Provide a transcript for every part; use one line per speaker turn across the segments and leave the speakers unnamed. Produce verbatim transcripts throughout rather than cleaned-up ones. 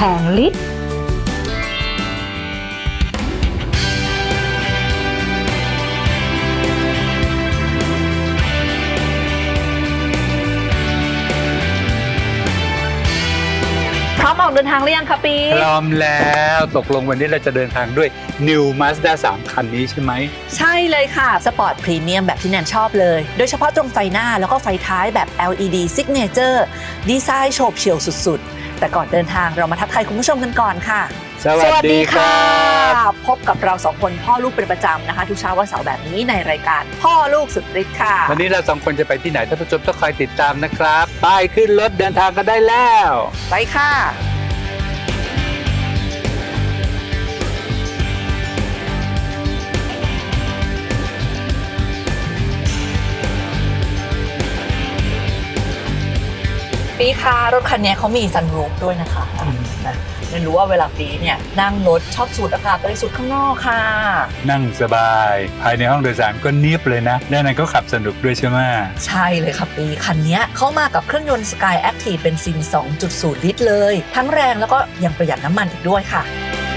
งฤทธิ์พร้อมออกเดินทางหรือยังคะปี
พร้อมแล้วตกลงวันนี้เราจะเดินทางด้วย New Mazda สามคันนี้ใช่ไหม
ใช่เลยค่ะสปอร์ตพรีเมียมแบบที่แนนชอบเลยโดยเฉพาะตรงไฟหน้าแล้วก็ไฟท้ายแบบ แอล อี ดี Signature ดีไซน์โฉบเฉี่ยวสุดๆแต่ก่อนเดินทางเรามาทักทายคุณผู้ชมกันก่อนค่ะ
สวัสดีครับ
พบกับเราสองคนพ่อลูกเป็นประจำนะคะทุกเช้าวันเสาร์แบบนี้ในรายการพ่อลูกสุดฤทธิ์ค่ะ
วันนี้เราสองคนจะไปที่ไหนท่านผู้ชมต้องคอยติดตามนะครับป้ายขึ้นรถเดินทางกันได้แล้ว
ไปค่ะปีค่ะรถคันนี้เขามีซันรูฟด้วยนะคะนะไม่รู้ว่าเวลาปีเนี่ยนั่งรถชอบสูดอากาศบริสุทธิ์ข้างนอกค่ะ
นั่งสบายภายในห้องโดยสารก็เนียบเลยนะด้านในก็ขับสนุกด้วยใช่ไหม
ใช่เลยค่ะปีคันนี้เข้ามากับเครื่องยนต์ Sky Active เป็นซิน สองจุดศูนย์ ลิตรเลยทั้งแรงแล้วก็ยังประหยัดน้ำมันอีกด้วยค่ะ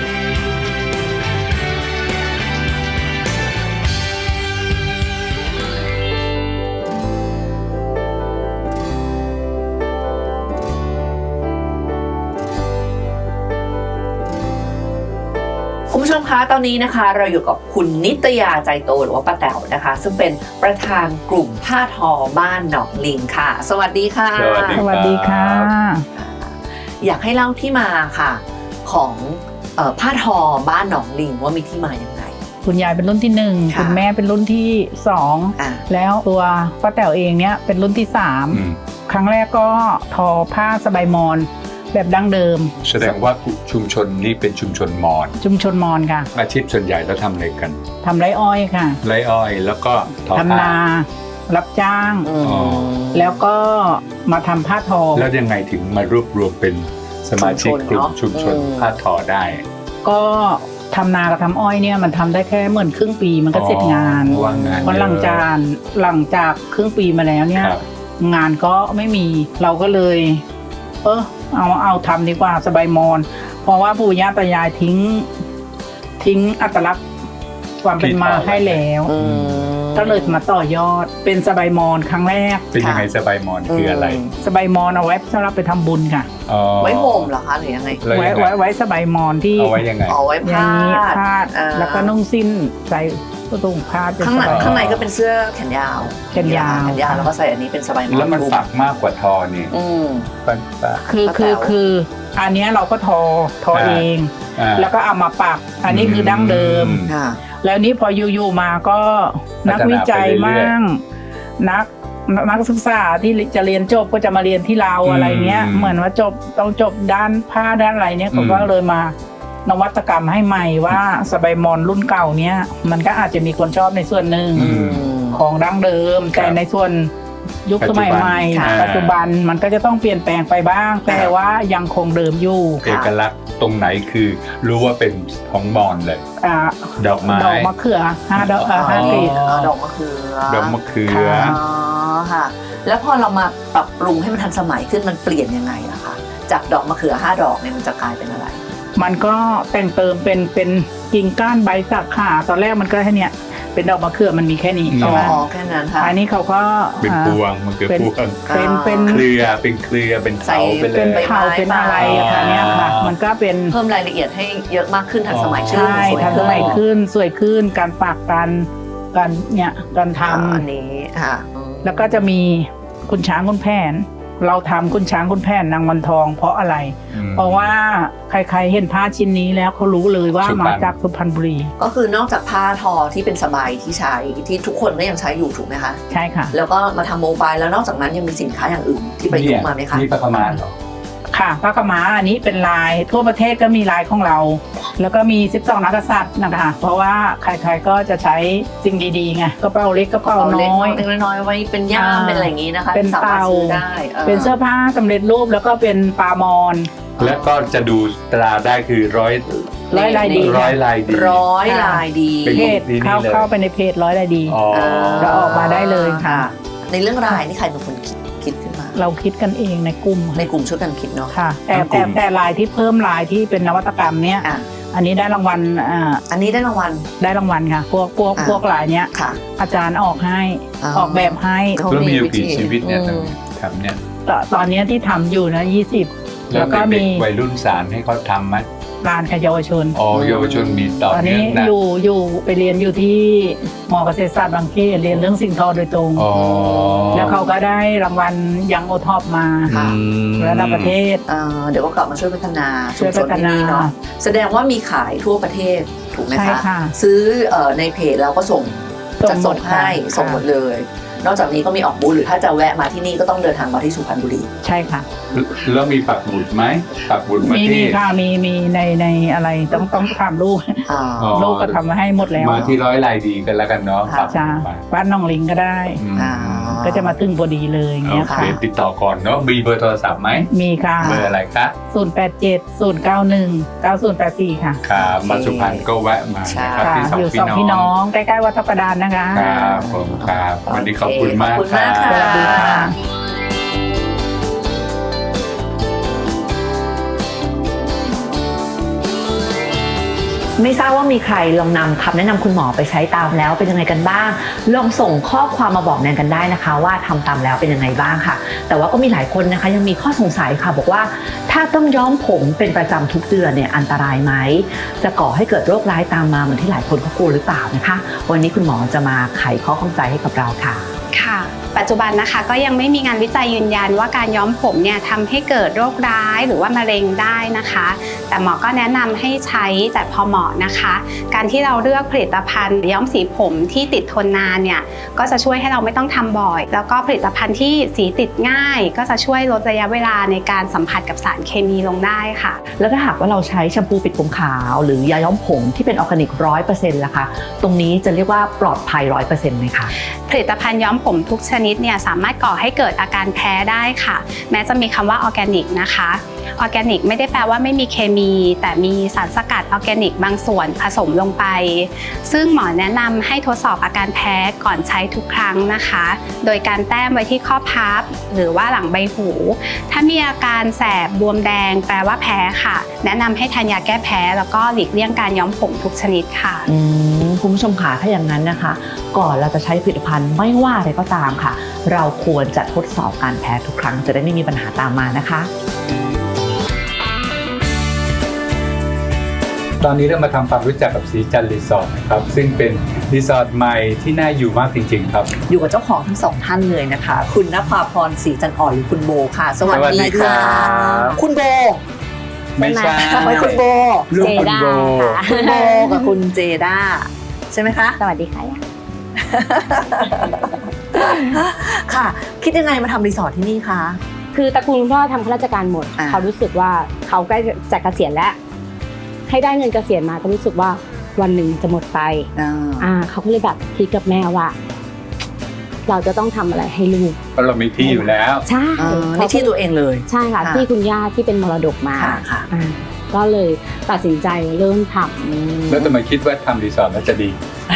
คุณผู้ชมคะตอนนี้นะคะเราอยู่กับคุณนิตยาใจโตหรือว่าป้าแต๋วนะคะซึ่งเป็นประธานกลุ่มผ้าทอบ้านหนองลิงค่ะสวัสดีค่ะ
สวัสดีค่ะ
อยากให้เล่าที่มาค่ะของเอ่อผ้าทอบ้านหนองลิงว่ามีที่มาอย่างไร
คุณยายเป็นรุ่นที่หนึ่งคุณแม่เป็นรุ่นที่สองแล้วตัวป้าแต๋วเองเนี้ยเป็นรุ่นที่สามครั้งแรกก็ทอผ้าสบายมอนแบบดั้งเดิม
แสดงว่าชุมชนนี้เป็นชุมชนมอญ
ชุมชนมอญค่ะ
อาชีพส่วนใหญ่แล้วทำอะไรกัน
ทำไร่อ้อยค่ะ
ไร่อ้อยแล้วก็
ทำนารับจ้างแล้วก็มาทำผ้าทอ
แล้วยังไงถึงมารวบรวมเป็นสมาชิกกลุ่มชุมชนผ้าทอได้
ก็ทำนากับทำอ้อยเนี่ยมันทำได้แค่เหมือนครึ่งปีมันก็เสร็จงานเพราะหลังจากหลังจากครึ่งปีมาแล้วเนี่ยงานก็ไม่มีเราก็เลยเออเอาเอาทำดีกว่าสบายมอนเพราะว่าปู่ย่าตายายทิ้งทิ้งอัตลักษณ์ความเป็นมาให้แล้วก็เลยมาต่อยอดเป็นสบายมอนครั้งแรก
เป็นยังไงสบายมอนคืออะไร
สบายมอนเอาไว้สำหรับไปทำบุญค่ะ
ไว้ห่มเหรอคะหรือยังไง
ไว้ไว้ไว้สบายมอนที่
เอาไว้ยังไง
เอาไว้ผ้า
พาดแล้วก็นุ่งสิ้นใส่ก็ต้องพาด
ข้างในข้างในก็เป็นเสื้อแขนยาว
แขนยาว
แขนยาวแล้วก็ใส่อันนี้เป็นสบายมอน
แล้วมันปักมากกว่าทอนี่
คือคือคืออันนี้เราก็ทอทอเองแล้วก็เอามาปักอันนี้คือดั้งเดิมแล้วนี้พออยู่ๆมาก็นักวิจัยมั่งนักนักศึกษาที่จะเรียนจบก็จะมาเรียนที่เราอะไรเงี้ยเหมือนว่าจบต้องจบด้านผ้าด้านอะไรเนี้ยเขาก็เลยมานวัตกรรมให้ใหม่ว่าสบายมอนรุ่นเก่าเนี้ยมันก็อาจจะมีคนชอบในส่วนหนึ่งของดั้งเดิมแต่ในส่วนยุคสมัยใหม่ปัจจุบันมันก็จะต้องเปลี่ยนแปลงไปบ้างแต่ว่ายังคงเดิมอยู่
เอกลักษณ์ตรงไหนคือรู้ว่าเป็นของมอญเลยดอกไม้
ดอกมะเขือห้าดอกห้ากลีบ
ดอกมะเขือ
ดอกมะเขือ
ค่ะแล้วพอเรามาปรับปรุงให้มันทันสมัยขึ้นมันเปลี่ยนยังไงล่ะคะจากดอกมะเขือห้าดอกเนี่ยมันจะกลายเป็นอะไร
มันก็แต่งเติมเป็นเป็นกิ่งก้านใบสักขาตอนแรกมันก็แค่เนี้ยเป็นดอกมะเขือมันมีแค่นี้
ใช่ไหมอ๋อแค่นั้นค่ะ
อันนี้เขาก็
เป็นพวงมะเขือพวง
เป็นเป็น
เครือเป็นเครือเป็นเถาไปเลย
เป็นเถาเป็นอะไรอะค่ะเนี้ยค่ะมันก็เป็น
เพิ่มรายละเอียดให้เยอะมากขึ้นทันสมัยขึ้น
ใช่ทันสมัยขึ้นสวยขึ้นการปักการการเนี่ยการทำ
อันนี้ค่ะ
แล้วก็จะมีคุณช้างคุณแผนเราทำคุณช้างคุณแผนนางวันทองเพราะอะไรเพราะว่าใครๆเห็นผ้าชิ้นนี้แล้วเขารู้เลยว่ามาจากสุพรรณบุรี
ก็คือนอกจากผ้าทอที่เป็นสบายที่ใช้ที่ทุกคนก็ยังใช้อยู่ถูกไหมคะ
ใช่ค่ะ
แล้วก็มาทำโมบายแล้วนอกจากนั้นยังมีสินค้าอย่างอื่นที่ประยุกต์มาไหมคะ
นี่ผ้าขม้าเหรอ
ค่ะผ้าขม้าอันนี้เป็นลายทั่วประเทศก็มีลายของเราแล้วก็มีสิบสองนักกษัตริย์นะคะเพราะว่าใครๆก็จะใช้สิ่งดีๆไงกระเป๋าเล็กกระเป๋าน้อย
เล็กน้อยไว้เป็นย่ามเป็นอะไรอย่างนี้นะคะ
เป็นเตา
ได้
เป็นเสื้อผ้าสำเร็จรูปแล้วก็เป็นปลามอน
แล้วก็จะดูตราได้คือร้อย
ร้อยลายดี
ร้อยลายดี
ร้อยลายดี
เพจเข้าเข้าไปในเพจร้อยลายดีจะออกมาได้เลยค่ะ
ในเรื่องลายนี่ใครเป็นคนคิดคิดขึ้นมา
เราคิดกันเองในกลุ่ม
ในกลุ่มช่วยกันคิดเนาะ
ค่ะแต่แต่แต่ลายที่เพิ่มลายที่เป็นนวัตกรรมเนี้ยอันนี้ได้รางวัลอ่า
อันนี้ได้รางวัล
ได้รางวัลค่ะพวกพวกพวกลายเนี้ยอาจารย์ออกให้ออกแบบให้
แล้วมีอยู่กี่ชีวิตเนี่ยทำเนี่ย
ตอนนี้ที่ทำอยู่นะยี่สิบแล้วก็มี
วัยรุ่นสารให้เขาทำไหม
ลานกับเยาวชน
อ๋อเยาวชนมีต่อ
ตอนนี้อยู่อยู่ไปเรียนอยู่ที่มอเกษตรศาสตร์บางเขนเรียนเรื่องสิ่งทอโดยตรงแล้วเขาก็ได้รางวัลยังโอท็อปมาระดับประเทศ
เดี๋ยวก็กลับมาช่วยพัฒนาชุมชนที่นี่เนาะแสดงว่ามีขายทั่วประเทศถูกไหมคะซื้อในเพจเราก็ส่งจะส่งให้ส่งหมดเลยนอกจากนี้ก็มีออกบูธหรือถ้าจะแวะมาที่นี่ก็ต้องเดินทางมาที่สุพรรณบุรี
ใช่ค่ะ
แล้วมีปักหมุดไหมปักหมุดมาที่
มีค่ะมีมีในในอะไรต้องต้องทำลูกลูกก็ทำมาให้หมดแล้ว
มาที่ร้อยลายดีกันแล้วกันเนาะ
จ้าบ้านน้องลิงก็ได้ก็จะมาตึงพอดีเลยอย่างเงี้ยค่ะ
ติดต่อก่อนเนาะมีเบอร์โทรศัพท์ไหม
มีค่ะ
เบอร์อะไรคะ
ศูนย์ แปด เจ็ด ศูนย์ เก้า หนึ่ง เก้า ศูนย์ แปด สี่ค่ะ
ครับมาสุพรรณก็แวะมา
ครับที่สองพี่น้องใกล้ๆวัดทับประดานนะคะ
ครับผมครับวันนี้ขอบคุณมากครับ
สวัสดีค่ะ
ไม่ทราบว่ามีใครลองนำคำแนะนำคุณหมอไปใช้ตามแล้วเป็นยังไงกันบ้างลองส่งข้อความมาบอกแนนกันได้นะคะว่าทำตามแล้วเป็นยังไงบ้างค่ะแต่ว่าก็มีหลายคนนะคะยังมีข้อสงสัยค่ะบอกว่าถ้าต้องย้อมผมเป็นประจำทุกเดือนเนี่ยอันตรายไหมจะก่อให้เกิดโรคร้ายตามมาเหมือนที่หลายคนเขากลัวหรือเปล่านะคะวันนี้คุณหมอจะมาไขข้อข้องใจให้กับเราค่ะ
ค่ะปัจจุบันนะคะก็ยังไม่มีงานวิจัยยืนยันว่าการย้อมผมเนี่ยทำให้เกิดโรคร้ายหรือว่ามะเร็งได้นะคะแต่หมอก็แนะนำให้ใช้แต่พอเหมาะนะคะการที่เราเลือกผลิตภัณฑ์ย้อมสีผมที่ติดทนนานเนี่ยก็จะช่วยให้เราไม่ต้องทำบ่อยแล้วก็ผลิตภัณฑ์ที่สีติดง่ายก็จะช่วยลดระยะเวลาในการสัมผัสกับสารเคมีลงได้ค่ะ
แล้วถ้าหากว่าเราใช้แชมพูปิดผมขาวหรือยาย้อมผมที่เป็นออร์แกนิกร้อยเปอร์เซ็นต์ล่ะคะตรงนี้จะเรียกว่าปลอดภัยร้อยเปอร์เซ็นต์ไหมคะ
ผลิตภัณฑ์ย้อมผมทุกชนิดเนี่ยสามารถก่อให้เกิดอาการแพ้ได้ค่ะแม้จะมีคำว่าออร์แกนิกนะคะออร์แกนิกไม่ได้แปลว่าไม่มีเคมีแต่มีสารสกัดออร์แกนิกบางส่วนผสมลงไปซึ่งหมอแนะนำให้ทดสอบอาการแพ้ก่อนใช้ทุกครั้งนะคะโดยการแต้มไว้ที่ข้อพับหรือว่าหลังใบหูถ้ามีอาการแสบบวมแดงแปลว่าแพ้ค่ะแนะนำให้ทานยาแก้แพ้แล้วก็หลีกเลี่ยงการย้อมผมทุกชนิดค่ะ
คุณผู้ชมค่ะถ้าอย่างนั้นนะคะก่อนเราจะใช้ผลิตภัณฑ์ไม่ว่าอะไรก็ตามค่ะเราควรจะทดสอบการแพ้ทุกครั้งจะได้ไม่มีปัญหาตามมานะคะ
ตอนนี้เรามาทำความรู้จักกับสีจันทร์รีสอร์ทนะครับซึ่งเป็นรีสอร์ทใหม่ที่น่าอยู่มากจริงๆครับ
อยู่กับเจ้าของทั้งสองท่านเลยนะคะคุณณภาพรศรีจันทร์อ่อนหรือคุณโบค่ะสวัสดีค่ะคุณโบ
ไม่ใช่
ไม่คุณโบ
ลูกคุณโบ
คุณโบกับคุณเจด้าใช่ไหมคะ
สวัสดีค่ะ
ค่ะคิดยังไงมาทำรีสอร์ทที่นี่คะ
คือตระกูลพ่อทำข้าราชการหมดเขารู้สึกว่าเขาใกล้จะเกษียณแล้วให้ได้เงินเกษียณมาก็รู้สึกว่าวันหนึ่งจะหมดไปอ่าเขาก็เลยแบบคิดกับแม่ว่าเราจะต้องทำอะไรให้ลูก
เพราะเรามีที่อยู่แล้ว
ใช่
ในที่ตัวเองเลย
ใช่ค่ะที่คุณย่าที่เป็นมรดกมา
ค่ะ
ก็เลยตัดสินใจเริ่มทำ
แล้วทำไมคิดว่าทำรีสอร์ทแล้วจะดี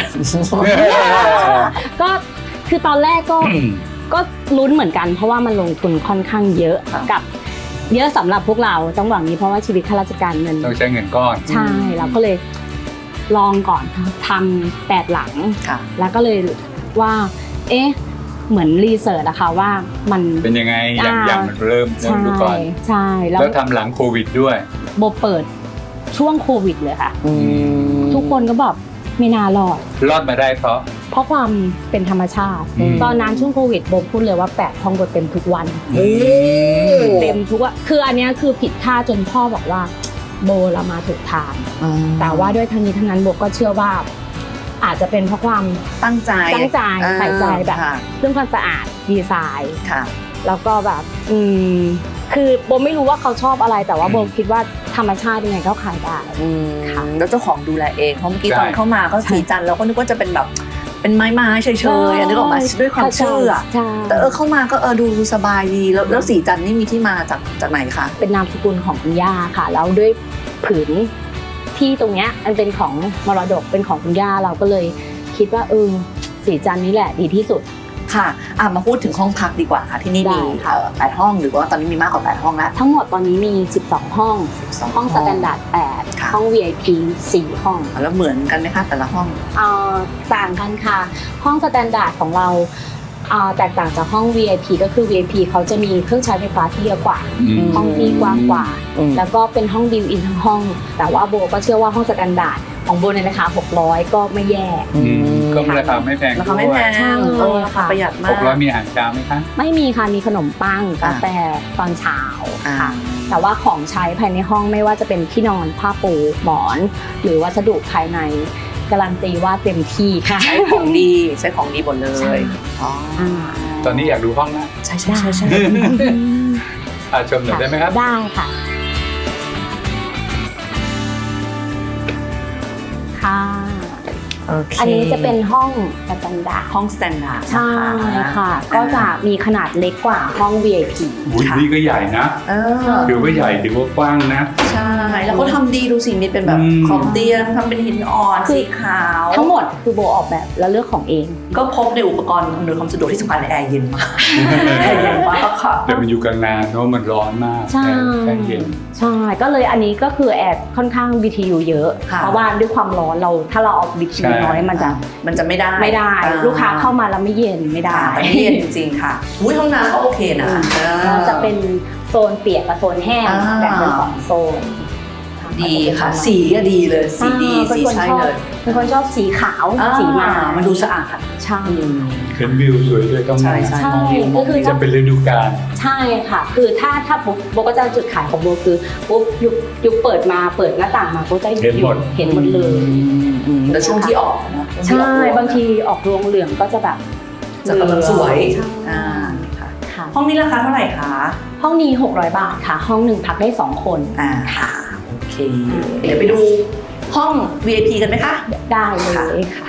ก็คือตอนแรกก็ก็ลุ้นเหมือนกันเพราะว่ามันลงทุนค่อนข้างเยอะกับเยอะสำหรับพวกเราต้องบอกนี้เพราะว่าชีวิตข้าราชการเงิน
ต้องใช้เงินก้อน
ใช่เราก็เลยลองก่อนทำแปดหลังแล้วก็เลยว่าเอ๊ะเหมือนรีเสิร์ชนะคะว่ามัน
เป็นยังไงอย่างอย่างมันเริ่มเริ่มดูก่อน
ใช่
แล้วทำหลังโควิดด้วย
โบเปิดช่วงโควิดเลยค่ะทุกคนก็บอกไม่น่ารอด
รอดมาได้เพราะ
เพราะความเป็นธรรมชาติตอนนั้นช่วงโควิดโบพูดเลยว่าแปดห้องโบเต็มทุกวันเต็มทุกวันคืออันนี้คือผิดคาดจนพ่อบอกว่าโบเรามาถูกทางแต่ว่าด้วยทั้งนี้ทั้งนั้นโบก็เชื่อว่าอาจจะเป็นเพราะความ
ตั้งใจ
ตั้งใจใส่ใจแบบเรื่องความสะอาดดีไซน์แล้วก็แบบอืมคือโบไม่รู้ว่าเขาชอบอะไรแต่ว่าโบคิดว่าธรรมชาติยังไงก็ขายได้
ค่ะแล้วเจ้าของดูแลเองเพราะเมื่อกี้ตอนเข้ามาก็สีจันทร์เราก็นึกว่าจะเป็นแบบเป็นไม้ไม้เฉยๆนึกออกมาด้วยความเชื่อแต่เออเข้ามาก็เออดูสบายดีแล้วแล้วสีจันทร์นี่มีที่มาจากจากไหนคะ
เป็นนามสกุลของคุณย่าค่ะแล้วด้วยผืนที่ตรงเนี้ยมันเป็นของมรดกเป็นของคุณย่าเราก็เลยคิดว่าเออสีจันทร์นี่แหละดีที่สุด
ค่ะอ่ะมาพูดถึงห้องพักดีกว่าค่ะที่นี่มีเอ่อแปดห้องหรือว่าตอนนี้มีมากกว่าแปดห้องแล้ว
ทั้งหมดตอนนี้มีสิบสองห้อง
สิบสอง
ห้องสแตนดาร์ดแปด
ค่ะ
ห้อง วี ไอ พี สี่ห้อง
แล้วเหมือนกันไหมคะแต่ละห้อง
เอ่อต่างกันค่ะ ห้องสแตนดาร์ดของเราเอ่อแตกต่างจากห้อง วี ไอ พี ก็คือ วี ไอ พี เขาจะมีเครื่องใช้ไฟฟ้าที่เยอะกว่า
อืม
ห้องที่กว้างกว่า
อืม
แล้วก็เป็นห้องบิวอินทั้งห้อง แต่ว่าโบก็เชื่อว่าห้องสแตนดาร์ดของโบในราคาหกร้อยก็ไม่แย่
อืมก็ราคาไม่แพง
ราคาไม่แพง
ใช่
เออราคาประหยัดมา
ห
ก
กร้อยมีอาหารเช้าไหมคะ
ไม่มีค่ะ มีขนมปังกาแฟตอนเช้า
อ่า
ค่ะ แต่ว่าของใช้ภายในห้องไม่ว่าจะเป็นที่นอนผ้าปูหมอน หรือวัสดุภายในการันตีว่าเต็มที่ค่ะ
ใช้ของดีใช้ของดีหมดเล
ใช่
ยอ๋อ
อ่า
ตอนนี้อยากดูห้องนะ
ใช่ใช่ใช่ใช่
อ่ะชมหน่อยได้ไหมครับ
ได้ค่ะ ค่ะ
โอเค
อันนี้จะเป็นห้องสแตนดาร์ด
ห้องสแตนดาร์ด
ใช่ค่ะ ก็จะมีขนาดเล็กกว่าห้อง วี ไอ พี
อุ้ยนี่ก็ใหญ่นะ
เออ
ถือว่าใหญ่ถือว่ากว้างนะ
ใช่ แล้วเขาทำดีดูสิมีเป็นแบบ
อืม
ขอบเตียงทำเป็นหินอ่อน
คือ
สีขาว
ทั้งหมดคือโบออกแบบและเลือกของเอง
ก็พบในอุปกรณ์อำนวยความสะดวกที่สำคัญในแอร์เย็นมากแอร์เย็นมากค่ะ
แต่มันอยู่กลางนาเนอะมันร้อนมาก
ใช่
แค่เย็น
ใช่ ก็เลยอันนี้ก็คือแอร์ค่อนข้าง บี ที ยู เยอะ
ค่ะ
เพราะว่าด้วยความร้อนเราถ้าเราเอา บี ที ยู
ใช่
น้อยมันจะ
มันจะไม่ได้
ไม่ได้
อ่
ลูกค้าเข้ามาแล้วไม่เย็นไม่ได้
ค่ะแต่ไม่เย็นจริงๆค่ะอุ้ยห้องน้ำก็โอเคนะเออ
ก็จะเป็นโซนเปียกกับโซนแห้ง
อ่า
แบ่งเป็นสองโซน
ดีค่ะ สีก็ดีเลยสีดี
เป็น
สี
คน
ใช่
ชอบ
เลย
เป็นคนชอบสีขาว
อ่
สีมา
มันดูสะอาด
ใช่
อืม
เห็นวิวสวยด้วยก็
ใช่
มา
ใช่
ใช่ก็คือ
จะเป็นฤดูกาล
ใช่ค่ะ คือถ้าถ้าปุ๊บโบก็จะจุดขายของโบคือปุ๊บยุคยุคเปิดมาเปิดหน้าต่างมาโบจะ
เห็นหมด
เห็นหมดเลย
อืมแล้วช่วงที่ออกนะ
ใช่บางทีออกรวงเหลืองก็จะแบบ
จะกำลังสวย
ใช่
อ่าค่ะ
ค่ะ
ห้องนี้ราคาเท่าไหร่คะ
ห้องนี้หกร้อยบาทค่ะ ห้องหนึ่งพักได้สองคน
อ่าค่ะโอเค เดี๋ยวไปดูห้อง วี ไอ พี กันไหมคะ
ได้เลยค่ะ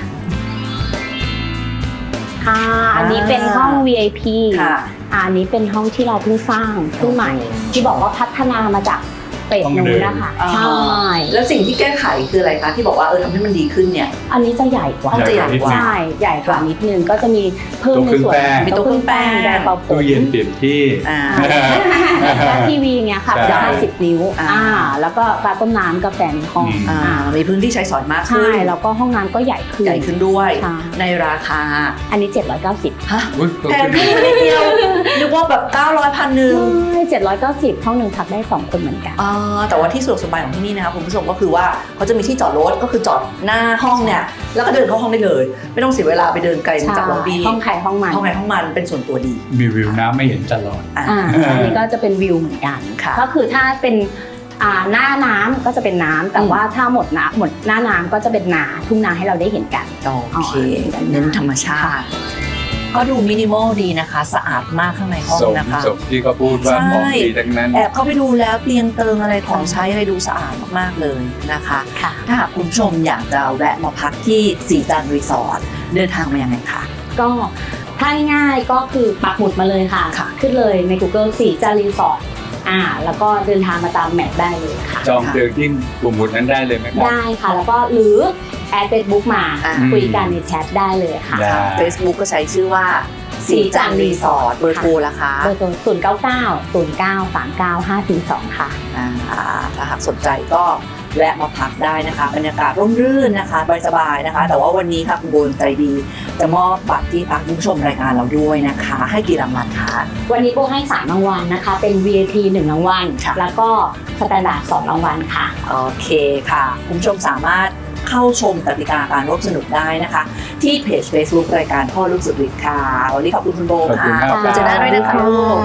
ค่ะ อันนี้เป็นห้อง วี ไอ พี
ค่ะ
อันนี้เป็นห้องที่เราเพิ่งสร้างเพิ่งใหม่ ที่บอกว่าพัฒนามาจากเฟสนู้นนะคะ
อ่า
ใช่
แล้วสิ่งที่แก้ไขคืออะไรคะที่บอกว่าเออทำให้มันดีขึ้นเนี่ย
อันนี้จะใหญ่กว่า
ห้องจะใหญ่กว่า
ใช่ใหญ่กว่านิดนึงก็จะมีเพิ่มในส่วน
มีโต๊ะเครื่องแป้ง
แดงเป่าผม
ตู้เย็นเปลี่ยนที่
อ่า
และทีวีเงี้ยค่ะ
ใช่
จะห้าสิบนิ้ว
อ่า
อ่าแล้วก็การต้มน้ำกาแฟในห้อง
อืม
อ่ามีพื้นที่ใช้สอยมาก
ใช่
ขึ้น
แล้วก็ห้องน้ำก็ใหญ่ขึ้น
ใหญ่ขึ้นด้วย
ใช่
ในราคา
อันนี้เจ็ดร้อยเก้าสิบ
ฮะ
อุ๊ย
แพงขึ้นนิดเดียวนึกว่าแบบเก้าร้อยพันหนึ่ง
ใช่เจ็ดร้อยเก้าสิบห้องหนึ่งพักได้สองคนเหมือนกัน
อ่าแต่ว่าที่สะดวกสบายของที่นี่นะคะคุณผู้ชมก็คือว่าเขาจะมีที่จอดรถก็คือจอดหน้าห้องเนี่ยแล้วก็เดินเข้าห้องได้เลย ไม่ต้องเสียเวลาไปเดินไกลจากล็อบบี้
ห้องใครห้องมัน
ห้องไหนห้องมันเป็นส่วนตัวดี
มีวิวน้ำไม่เห็นตลอด
อ่า
อ่าอันนี้ก็จะเป็นวิวเหมือนกัน
ค่ะ
ก็คือถ้าเป็นอ่าหน้าน้ำก็จะเป็นน้ำแต่
อืม
ว่าถ้าหมดน้ำหมดหน้าน้ำก็จะเป็นนาทุ่งนาให้เราได้เห็นกัน
โอเคเน้นธรรมชาติ ก็ดูมินิมอลดีนะคะ สะอาดมากข้างในห้อง
สม
นะคะ
สมที่เขาพูดว่า
ใช่
ของดีทั้งนั้น
แอบเข้าไปดูแล้วเตียงเติงอะไรของใช้อะไรดูสะอาดมากๆเลยนะคะ
ค่ะ
ถ้าหากคุณผู้ชมอยากจะแวะมาพักที่สีจันทร์รีสอร์ทเดินทางมายังไงคะ
ก็ถ้าง่ายๆก็คือปักหมุดมาเลยค่ะ
ค่ะ
ขึ้นเลยใน Google สีจารีสอร์ทอ่าแล้วก็เดินทางมาตามแมปได้เลยค่ะ
จองเตียงที่กลุ่มหมุดนั้นได้เลยไหมครับ
ได้ค่ะ แล้วก็หรือแอดเฟซบุ๊กมา
อ่า
คุยกันในแชทได้เลยค่ะ
ได้
Facebook ก็ใช้ชื่อว่าสีจันทร์รีสอร์ทเบอร์โทรละคะ
เบอร์โทรศูนย์เก้าเก้าศูนย์เก้าสามเก้าห้าสี่สองค่ะ
อ่าถ้าหากสนใจก็แวะมาพักได้นะคะบรรยากาศร่มรื่นนะคะสบายๆนะคะ แต่ว่าวันนี้ค่ะคุณโบนใจดี จะมอบบัตรที่พักคุณผู้ชมรายการเราด้วยนะคะ ให้กี่รางวัลคะ
วันนี้โบให้สามรางวัลนะคะ เป็น วี ไอ พี หนึ่งรางวัล
ค่ะ
แล้วก็สแตนดาร์ดสองรางวัลค่ะ
โอเคค่ะคุณผู้ชมสามารถเข้าชมกติกาการร่วมสนุกได้นะคะ ที่เพจ Facebook รายการพ่อลูกสุดฤทธิ์ค่ะวันนี้ขอบคุณคุณโบ
ขอบคุณ
ค่ะ
มาก
ขอบคุณเจน่าด้วยนะคะลูก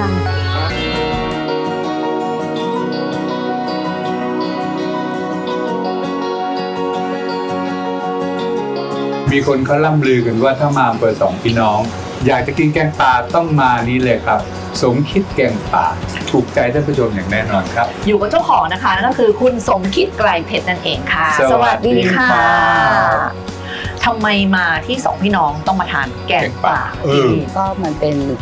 มีคนเขาล่ำลือกันว่าถ้ามาอำเภอสองพี่น้อง อยากจะกินแกงป่าต้องมานี้เลยครับ สมคิดแกงป่าถูกใจท่านผู้ชมอย่างแน่นอนครับ
อยู่กับเจ้าของนะคะนั่นก็คือคุณสมคิดไกลเพชรนั่นเองค่ะ
สวัสดีค่ะ
ทำไมมาที่สองพี่น้องต้องมาทานแกงป่า
เออ
ก็มันเป็น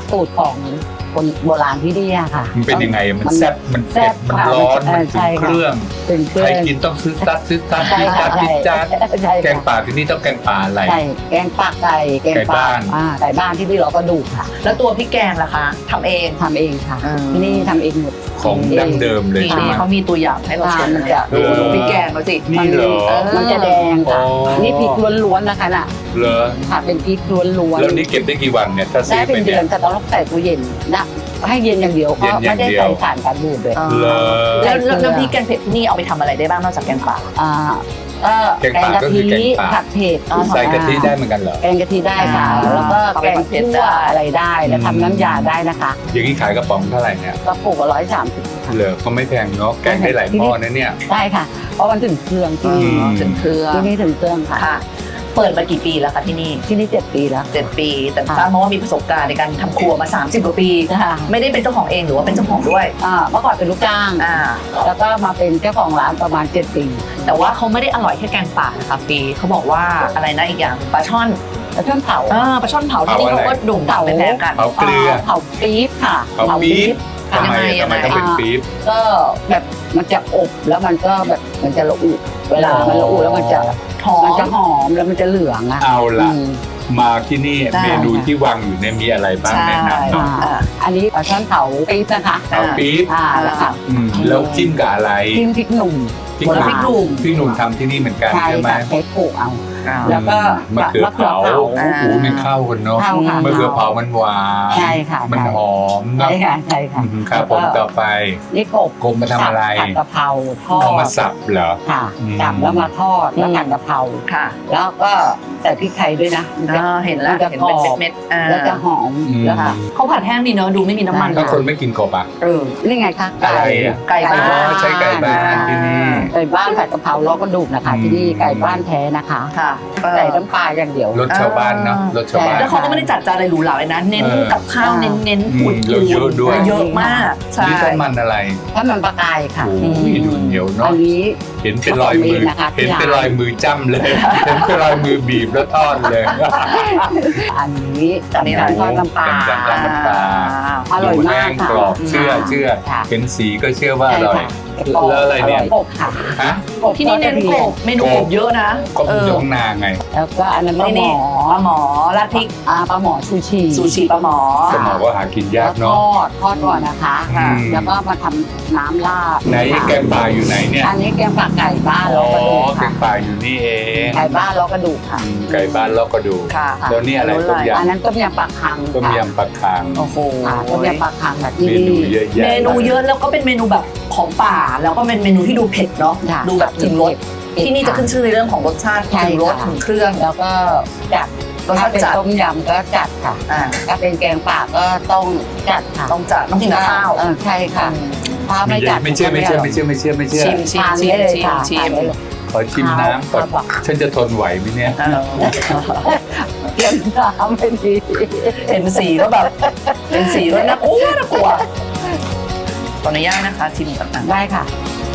สูตรของคนโบราณที่นี่อะค่ะ
มันเป็นยังไงมัน
มัน
แซ่บมัน
แซ่
เผ็ด
บ
มัน
ค่ะ
ร้อน
เอ
มัน
อ
ถึ
ใช่
ง
ค่ะ
เครื่อง
เป็นเครื่
ใคร
อง
กินต้องซื้อซัดซื้อซัด
ใช่
ซื้อซั
ค่ะ
ดซื้อจัด
ใช่
แกง
ค่ะ
ป่าที่นี่ต้องแกงป่าอะไร
ใช่แกงปากไก่แกง
ไก่
ปลา
บ้าน
อ่าไก่บ้านที่นี่เราก็ดูค่ะ
แล้วตัวพริกแกงล่ะคะทำเอง
ทำเองค่ะ
อืม
ที่นี่ทำเองหมด
ของดั้งเดิมเลย
นี่
ใช่ไหม
เขามีตัวอย่างให้เราชม
มันจะ
ดูดูพริกแกงเขาสิ
นี่เหรอ
เออ
มันจะแดงค่ะ
อ๋อ
นี่พริกล้วนๆนะคะน่ะ
เหรอ
ค่ะเป็นพริกล้วน
แล้วนี่เก็บได้กี่วันเนี่ยถ้า
ๆ
ซื้
ได้
อ
เป็
ไป
นเดื
เนี่
อย นแต่ต้องใส่ตู้เย็นนะให้เย็นอย่างเดียว
เย็
ก็
นอย่า
ไม่
ง
ได้
เดียว
ใส่สารกันบูดเลย
เหรอ
แล้วแล้วน้ำพริกแกงเผ็ดที่นี่เอาไปทำอะไรได้บ้างนอกจากแกงป่า
อ่าก็
แกงป่าก็คือแกงป่า
ผัดเผ็ด
ใส่กะทิได้เหมือนกันเหรอ
แกงกะทิได้ค่ะ
อ่า
แล้วก็
เอา
แก
ไป
ง
ผัดเผ็ด
คั่ว
ได้
อะไรได้แล้ว
อืม
ทำน้ำยาได้นะคะ
อย่างนี้ขายกระป๋องเท่าไหร่เนี่ย
กระปุกละร้อยสามสิบ
เหลือก็ไม่แพงเนาะแกงได้หลายหม้อนะเนี่ย
ได้ค่ะ เพราะมันถึงเครื่องที่นี่
อืม
ถึงเครื่อง
ที่นี่ถึงเครื่องค่ะ
ค่ะ เปิดมากี่ปีแล้วคะที่นี่
ที่นี่เจ็ดปีแล้ว
เจ็ดปี แต่
ค่ะ
ทราบมาว่ามีประสบการณ์ในการทำครัวมา สามสิบกว่าปี
ค่ะ
ไม่ได้เป็นเจ้าของเองหรือว่าเป็นเจ้าของด้วย
อ่าเมื่อก่อนเป็นลูกจ้าง
อ่า
แล้วก็มาเป็นเจ้าของร้านประมาณเจ็ดปี
แต่ว่าเขาไม่ได้อร่อยแค่แกงป่านะคะปีเขาบอกว่าอะไรนะอีกอย่างปลาช่อน
แล้วเครื่องเผา
อ่าปลาช่อนเผาที่นี่เขาก็โด่งดังเป็นแนวกัน
เผาเกลือ
เผาปี๊บค่ะ
เผาปี๊บ
ค่ะ
ทำไม
ยังไง
ทำไมต้องเป็นปี๊บ
ก็แบบมันจะอบแล้วมันก็แบบมันจะระอุเวลามันระอุแล้วมันจะ
หอ
มันจะ
ม
หอมแล้วมันจะเหลืองอ่ะ
เอาล่ะ
อืม
มาที่นี่
ได้
เมนูที่วางอยู่เนี่ยมีอะไรบ้าง
ใช่
แนะนำหน่อย
อ่าอันนี้ปลาช่อนเผาปี๊บนะคะ
เผาปี๊บ
อ่าแล้วค่ะ
อืมแล้วจิ้มกับอะไร
จิ้มพริกหนุ่ม
พริก
โบ
ห
ราณ
นุ่มพริกหนุ่มทำที่นี่เหมือนกัน
ใช่
ใช่ไหม
ค่ะใช้โขลกเอา
อ่า
แล้วก็
มะเขือเผา
ะเขือเผา
โอ้โหมันเข้ากันเนาะ
เข้าค่ะ
มะเขือเผามันหวาน
ใช่ค่ะ
มัน
ใช่
หอมเนาะ
ใช่ค่ะใช่ค่ะ
อืมครับผมต่อไป
นี่กบ
กบมาทำอะไร
ผัดกะเพราทอด
เอามาสับเหรอ
ค่ะ
อืม
จับแล้วมาทอดแล้ว
อืม
ผัดกะเพรา
ค่ะ
แล้วก็ใส่พริกไทยด้วยนะ
อ่าเห็นแล้ว
มัจะ
เห็น
กร
เป็น
อบ
เม็ดๆอ่า
แล้วจะหอม
อืม
แล้วค่ะ
เขาผัดแห้งดีเนอะดูไม่มีน้ำมัน
ถ้าคนไม่กินกบอ่ะ
เออ
นี่ไงคะ
อะไรอะ
ไก่บ้าน
อ๋อใช้ไก่บ้านที่นี่
ไก่บ้านผัดกะเพราล้อกระดูกนะคะ ที่นี่ไก่บ้านแท้นะคะ
ค่ะ
ใส่น้ำปลาอย่างเดียว
รสชาวบ้านเนาะรสชาวบ้าน
แล้วเขาก็ไม่ได้จัดจานอะไรหรูหราเลยนะ เน้น
เออ
กับข้าว
อ่า
เน้นเน้น
อืม
อุ่น
แล้วเยอะด้วย
แลเยอะมาก ใช่
นี่ต้นมันอะไร
ถ้ามันปลากายค่ะ
โอ้ยดูเหนียว
อั
เนาะ
นนี้
เห็นเป็นรอยมือ
ผสมเองนะคะ
เห็นเป็น
ที่
ร
ร้าน
อยมือจ้ำเลย เห็นเป็นรอยมือบีบแล้วทอดเลย
อันนี้
อันนี้
สำคัญทอดน้ำปลา
สำคัญ น้ำปลา
อร่อย
ดู
มา
แห้
ก
ง
ค่ะ
กรอบเชื่อเชื่อ
ค่ะ
เห็นสีก็เชื่อว่าอ
ใช่
ร่อย
ค่ะ
แล้วอะไรเนี่ย
กบค่ะ
ฮะ
กบ
ที่นี่เน้นกบเมนูกบเยอะนะ
กบอยู่ข้างหนาไง
แล้วก็อันนั้นปลาหม
นี่
อ
ปลาหมอราดพริก
อ่าปลาหมอชูชี
ซูชิปลาหมอ
สมองก็หากินยาก
ท
เนาะ
อดทอดก่อนนะคะ
อืม
แล้วก็มาทำน้ำราด
ไหนแกงป่าอยู่ไหนเนี่ย
อันนี้แกงปลาไก่บ้าน
อ๋
ล้
อ
อกระดูก
แก
ค่ะ
งป่าอยู่นี่เอง
ไก่บ้านล้อกระดูกค่ะ
อืมไก่บ้านแล้วก็ดู
ค่ะ
แล้วนี่อะไรต้มย
อันนั้นต้มยำปลาคัง
ำต้ม
ค่ะ
ยำปลาคาง
โอ้โห
ค่ะต้มยำปลาคังแบบที่
เมนู
นี่
เยอะแยะ
เมนูเยอะแล้วก็เป็นเมนูแบบของป่า แล้วก็เป็นเมนูที่ดูเผ็ดเนาะ
ค่ะ
ดูแบบถึงรส
เผ็ด
ที่นี่จะขึ้นชื่อในเรื่องของรสชาติ
ใช่
ถึงรส
ค่ะ
ถึงเครื่อง
แล้วก็จัด
รสชา
ถ้า
ติ
เป็น
จัด
ต้มยำก็จัดค่ะ
อ่า
ถ้าเป็นแกงป่าก็ต้องจัดค่ะ
ต้องจัดต้องกินกับข้าว
เออใช่ค่ะถ้าไม่จัด
ไม่เชื่อไม่เชื่อไม่เชื่อไม่เชื่อไม่เชื่อ
ชิมชิม
ทาน
ชิ
ได้
ม
เลย
ชิม
ค่ะ
ชิ
ทาน
ม
ได้เลย
ขอชิมน้ำก่อน
ครับ
ฉันจะทนไหวไหมเนี่ย
อ่า
เตรียมน้ำไม่ดี
เห็นสีก็แบบเป็นสีก็น่ากลัวน่ากลัวขออนุญาตนะคะชิมก่อนนะ
ได้ค่ะ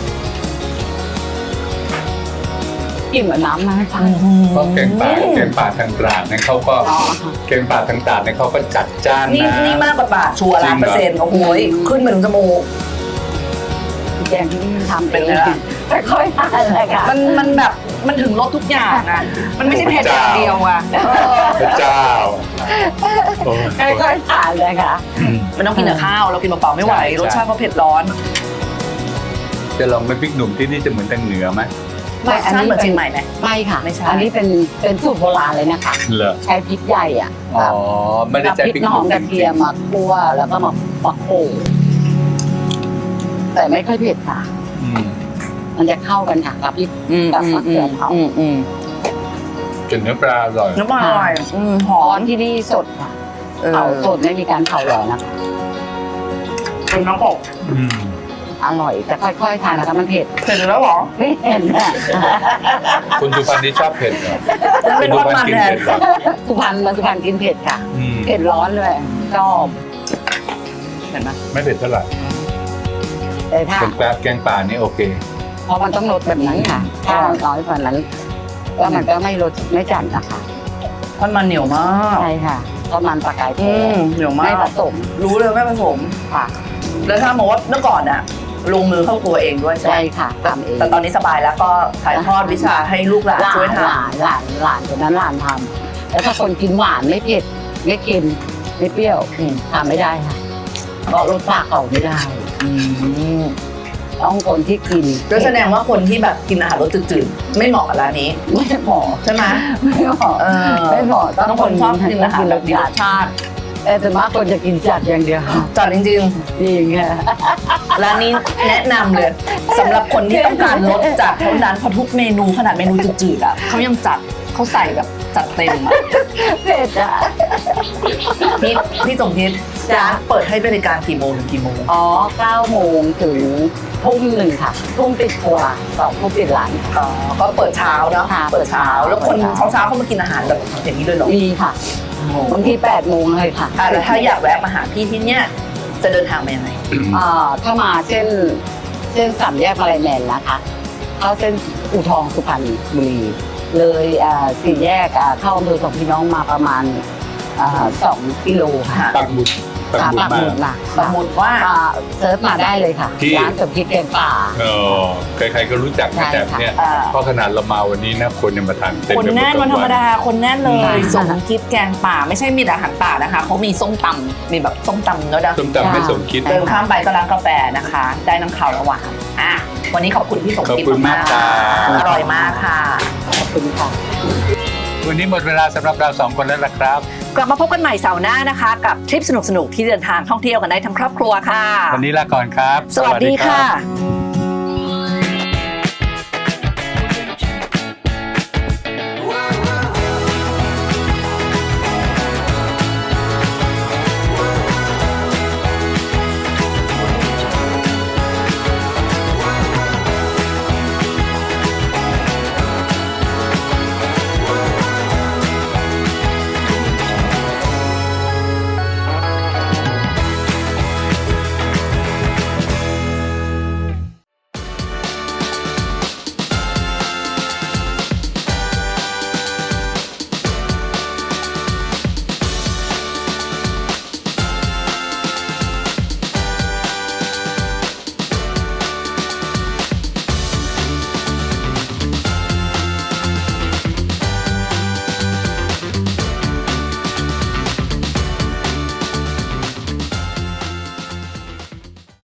กินเหมือนน้ำนะค่ะ
เพราะแกงป่าแกงป่าทางตราดเนี่ยเขาก็แกงป่าทางตราดเนี่ยเขาก็จัดจ้าน
นี่
นะ
นี่มากกว่าบาทชัวร์
จริ
ล้าง น
เหรอ
เปอร์เซ็นต์โอ้โหขึ้นมาถึงจมูก
แกงที่นี่ทำ
เป็นไงล่ะ
ไม่ค่อยทานเลยค่ะ
มันมันแบบมันถึงรสทุกอย่างนะมันไม่ใช่เผ็ดอย่างเดียวอะเออ
พระเจ้าโอ้ย
ไม่ค่อยทานเลยค่ะ
มันต้องกินกับข้าวเรากินเปล่าๆไม่ไหว
ใช่
รสชาติก็เผ็ดร้อน
จะลองไม่พริกหนุ่มที่นี่จะเหมือนทางเหนือไหม
รสชาติเหมือนเชียงใหม่ไหม
ไม่ค่ะ
ไม่ใช่
อันนี้เป็นเป็นสูตรโบราณเลยนะคะ
เหรอ
ใช้พริกใหญ่อ่ะ
อ๋อไม่ได้
กับ
ใช้
พริก
พริก
ห
ห
อ
นุ่
ม
ม
กระเทียมมาคั่วแล้วก็มาปักโขลกแต่ไม่ค่อยเผ็ดค่ะ
อืม
มันจะเข้ากันค่ะกับพริก
อืม
กับมะเขือเผา
อืมอืม
จนเนื้อปลาอร่อย
น้ำมันอร่อยอืมห
อ๋
อ
อ
ม
ที่นี่สดค่ะ
เออ
เผาสดไม่มีการเผาหรอกนะคะ
เป็นน้ำกบ
อืม
อร่อยแต่ค่อยๆทานนะคะมันเผ็ด
เผ็ดแล้วเหรอ
ไม่เผ็ดอ่ะ
คุณสุพรรณนี่ชอบเผ็ดเหรอ
แล้วเป็นทอดมัน
กิน
แทน
เผ็ดเหรอ
สุพรรณมาสุพรรณกินเผ็ดค่ะ
อืม
เผ็ดร้อนเลยชอบ
เห็นไหม
ไม่เผ็ดเท่าไหร่
แต่ถ้า
เป็นปลาแกงป่านี่โอเค
เพราะมันต้องลดแบบนั้นค่ะ ถ้าน้อยกว่านั้นก็มันก็ไม่ลดไม่จัดนะคะ
ทอดมันเหนียวมาก
ใช่ค่ะทอดมันปลากายท
อื
อ
ม
ด
เหนียวมา
ไม่
ก
ผสม
รู้เลยไม่ผสม
ค่ะ
แล้วถ้าบอกว่าเมื่อก่อนอะลงมือเข้าครัวเองด้วยใช่ไหม
ใช่ค่ะทำเอง
แต่ตอนนี้สบายแล้วก็ถ่ายทอดวิชาให้ลูกหลาน
หลา
ช่วย
น
ท
หลานหลานหลานคนนั้นหลานทำแล้วถ้าคนกินหวานไม่เผ็ดไม่เค็มไม่เปรี้ยวทำไม่ได้ค่ะเพราะรสชาติเขาไม่ได้
ำอืม
ต้องคนที่กิน
ก็แสดงว่าคนที่แบบกินอาหารรสจืดๆไม่เหมาะกับร้านนี้
ไม่เหมาะ
ใช่ไหม
ไม่เหมาะ
เออ
ไม่เหมาะ
ต้องคนชอบกินอาหารแบบมีรสชาติ
แต่ส่วนมากคนจะกินจัดอย่างเดียว
จัดจริง
จริงค่ะ
ๆร้านนี้แนะนำเลยสำหรับคนที่ต้องการรสจัดเท่านั้นเพราะทุกเมนูขนาดเมนูจืดๆอ่ะเขายังจัดเขาใส่แบบจัดเต็มอะ
เผ็ดอ่ะ
พี่พี่สมคิดร้านเปิดให้บริการกี่โมงถึงกี่โมง
อ๋อเก้าโมงถึงทุ่มหนึ่งค่ะทุ่มปิดครัวสองทุ่มปิดร้าน
อ๋อก็เปิดเช้าเนาะ
ค่ะ
เปิดเช้าแล้วคน
เปิดเช้า
เช้าๆเขามากินอาหารแบบอย่างนี้เลยเหรอ
มีค่ะบางทีแปดโมงเลยค่ะ
อ่ะแล้วถ้าอยากแวะมาหาพี่ที่เนี่ยจะเดินทางมายังไง
อ่าถ้ามาเส้นเส้นสามแยกมาลายแมนนะคะเข้าเส้นอู่ทองสุพรรณบุรีเลยอ่าสี่แยกอ่าเข้าอำเภอสองพี่น้องมาประมาณอ่าสองกิโลค่ะ
ปักหมุดปักหมุด
ปาก
มา
หมุดมา
สมมติว่า
อ่าเซิร์ชมาได้เลยค่ะ
ที่
ร้านสมคิดแกงป่า
เออใครๆก็รู้จัก
ใช่
แต่เนี่ย
อ่า
เพราะขนาดเรามาวันนี้นะคนยังมาทานเต็ม
คน
ไปหมด
แน่นวันธรรมดาคนแน่นเล
ใช่
ยสมคิดแกงป่าไม่ใช่มีแต่อาหารป่านะคะเขามีส้มตำมีแบบส้มตำด้วยนะ
ส้มตำไม่สมคิด
เดินข้ามไปก็ร้านกาแฟนะคะ ได้น้ำขาวระหว่างอ่ะวันนี้ขอบคุณพี่สม
ขอบ
คิด
คุณมากครับ
อร่อยมากค่ะ
ขอบคุณค่ะ
วันนี้หมดเวลาสำหรับเราสองคนแล้วล่ะครับ
กลับมาพบกันใหม่เสาร์หน้านะคะ กับทริปสนุกๆที่เดินทางท่องเที่ยวกันได้ทั้งครอบครัวค่ะ
วันนี้ลาก่อนครับ
สวัสดีค่ะ
บ